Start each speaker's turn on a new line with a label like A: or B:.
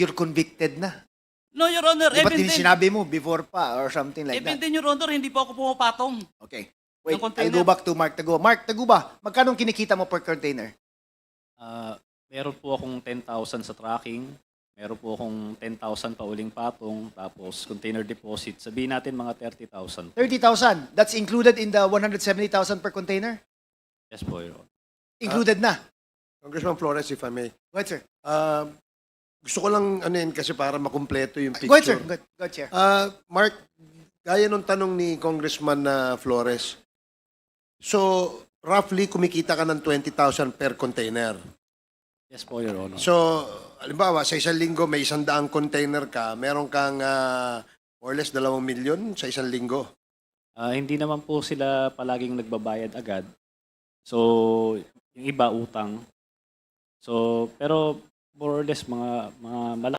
A: you're convicted na.
B: No, Your Honor,
A: Di ba
B: even then,
A: sinabi mo before pa or something like
B: even
A: that?
B: then, Your Honor, hindi po ako pumapatong.
A: Okay. Wait,
B: Ng
A: I
B: container.
A: go back to Mark Taguba. Mark Taguba, magkano kinikita mo per container?
C: Meron po akong 10,000 sa tracking, meron po akong 10,000 pa uling patong, tapos container deposit. Sabihin natin mga 30,000.
A: 30,000. That's included in the 170,000 per container?
C: Yes po, Your Honor.
A: Included na.
D: Congressman Flores, if I may.
A: Go ahead, sir.
D: Gusto ko lang ano yun kasi para makumpleto yung
A: Go ahead, sir.
D: picture.
A: Go ahead, Chair.
D: Mark, gaya nung tanong ni Congressman Flores, so roughly kumikita ka ng 20,000 per container.
C: Yes po, Your Honor.
D: So, halimbawa, sa isang linggo may 100 container ka, meron kang more or less 2 milyon sa isang linggo.
C: Hindi naman po sila palaging nagbabayad agad. So, yung iba utang. So, pero more or less mga